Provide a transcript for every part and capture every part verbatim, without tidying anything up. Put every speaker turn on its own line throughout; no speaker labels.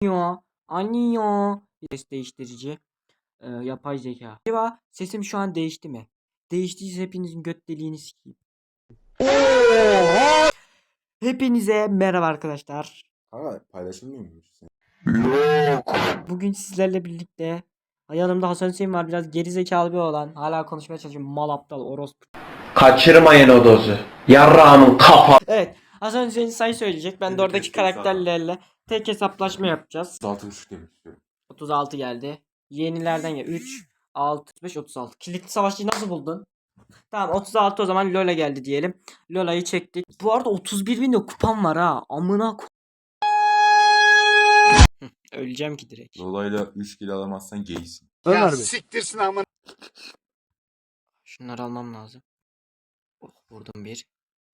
Anio, Anio. Ses değiştirici. Ee, yapay zeka. Acaba sesim şu an değişti mi? Değiştiyse hepinizin göt deliğini sikeyim. Hepinize merhaba arkadaşlar.
Kanka paylaşılmıyor mu?
Bugün sizlerle birlikte yanımda Hasan Hüseyin var. Biraz geri zekalı bir olan. Hala konuşmaya çalışıyorum. Mal aptal orospu.
Kaçırmayın o dozu. Yarrağımın kafa.
Evet. Hasan Hüseyin sayı söyleyecek. Ben de
Bir
oradaki
kez değil
karakterlerle tek hesaplaşma yapacağız.
otuz altı buçuk demek istiyorum.
otuz altı geldi. Yenilerden ya üç, altı, beş, otuz altı. Kilitli savaşçıyı nasıl buldun? Tamam otuz altı o zaman Lola geldi diyelim. Lola'yı çektik. Bu arada otuz bir bin de kupam var ha. Amına ko- Hı, öleceğim ki direkt.
Dolayla üç kilo alamazsan gaysin.
Ya siktirsin aman.
Şunları almam lazım. Oh, vurdum bir.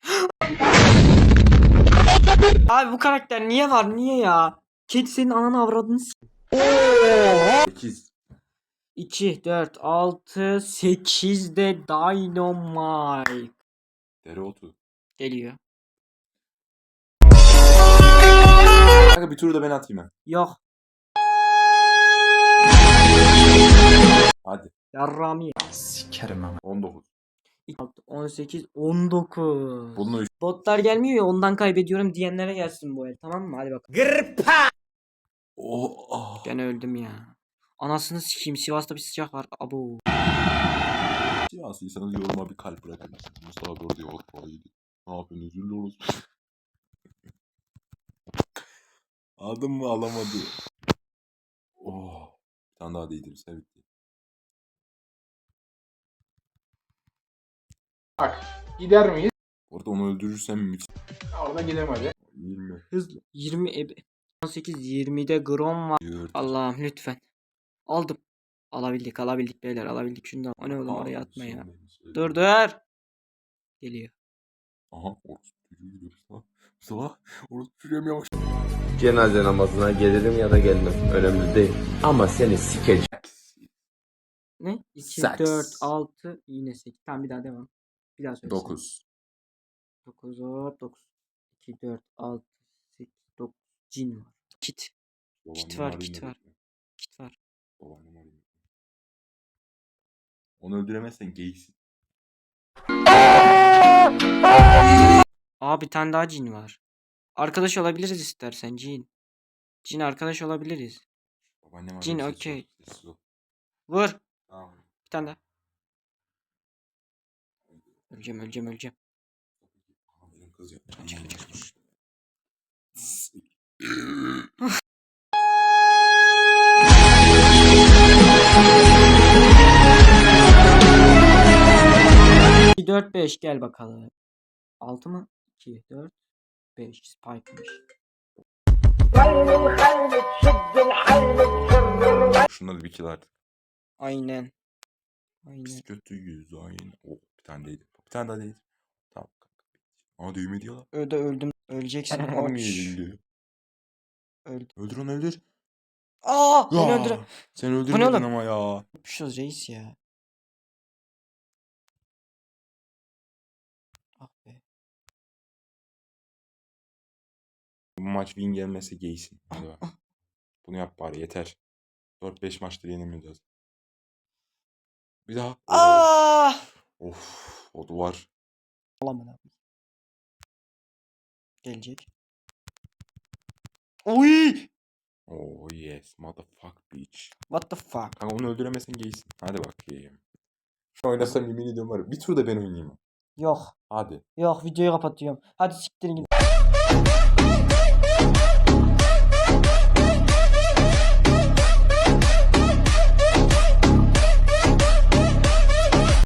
Abi bu karakter niye var? Niye ya? Kedi senin ananı avradını s-
sekiz.
iki, dört, altı, sekiz de Dynamite.
Dereotu.
Geliyor.
Kanka bir turu da ben atayım ben.
Yok.
Hadi.
Yarrami.
Sikerim ama.
on dokuz.
on sekiz, on dokuz.
Bununla üç.
Botlar gelmiyor ya ondan kaybediyorum diyenlere gelsin bu el, tamam mı? Hadi bakalım.
Oh, oh.
Ben öldüm ya. Anasını sikeyim, Sivas'ta bir sıcak var. Abo.
Siyaslıysanız yoruma bir kalp bırakın. Mustafa doğru diyor. Oh, iyiydi. Ne yapıyorsun? Üzüldü olursun. Aldım mı alamadı. Oh. Bir tane daha değdiririz. Evet.
Bak gider miyiz?
Orada onu öldürürsem müthiş.
Orada gidelim hadi.
yirmi.
Hızlı. yirmi ebe. on sekiz, yirmide Grom var.
dört.
Allah'ım lütfen. Aldım. Alabildik alabildik beyler alabildik. Şunu da. O ne oğlum oraya atma ya. Dur dur. Geliyor.
Aha. Orası çocuğu gidiyor. Mustafa. Mustafa. Orası çocuğum yavaş.
Cenaze namazına gelirim ya da gelmem. Önemli değil. Ama seni sikeceğim.
Ne? iki,
Saks.
dört, altı, yine sekiz. Tamam bir daha devam. Bir daha söyle.
dokuz.
dokuz, hop dokuz. iki, dört, altı, sekiz, dokuz. Cin var. Kit. Kit var, kit var. Kit var.
Babaannem arayayım. Onu öldüremezsen geysin.
Aa bir tane daha cin var. Arkadaş olabiliriz istersen cin. Cin arkadaş olabiliriz.
Babaannem
Cin,
arayayım, sessiz ol,
okey.
sessiz ol.
Vur.
Tamam.
Bir tane daha. Öleceğim öleceğim öleceğim.
Aha, benim kız ya.
Çık, çık, çık. iki, dört, beş gel bakalım. altı mı? iki, dört, beş. Spike'mış.
Şunları bir kill artık.
Aynen. Aynen.
Biz kötüyüz aynen. Oh bir tane değdi. Bir tane daha değdi. Tamam. Aa düğme diyorlar.
Öde öldüm. Öleceksin.
Anam
Oç.
yenildi.
Öldüm.
Öldür onu öldür.
Aa! Beni
Ya,
öldüre.
sen
oğlum?
öldürmedin ama ya.
Yapışıyoruz reis ya. Ah be.
Bu maç win gelmese geysin. Hadi bak. Bunu yap bari yeter. dört beş maçtır yenemiyoruz. Bir daha.
Aa!
Of o duvar.
Alamam. Gelecek. Oy!
Oh yes motherfuck bitch.
What the fuck?
Kanka onu öldüremezsen geysin. Hadi bakayım. Şu oynasam yemin ediyorum var ya. Bir tur da ben oynayayım.
Yok.
Hadi.
Yok videoyu kapatıyorum. Hadi siktirin gidin.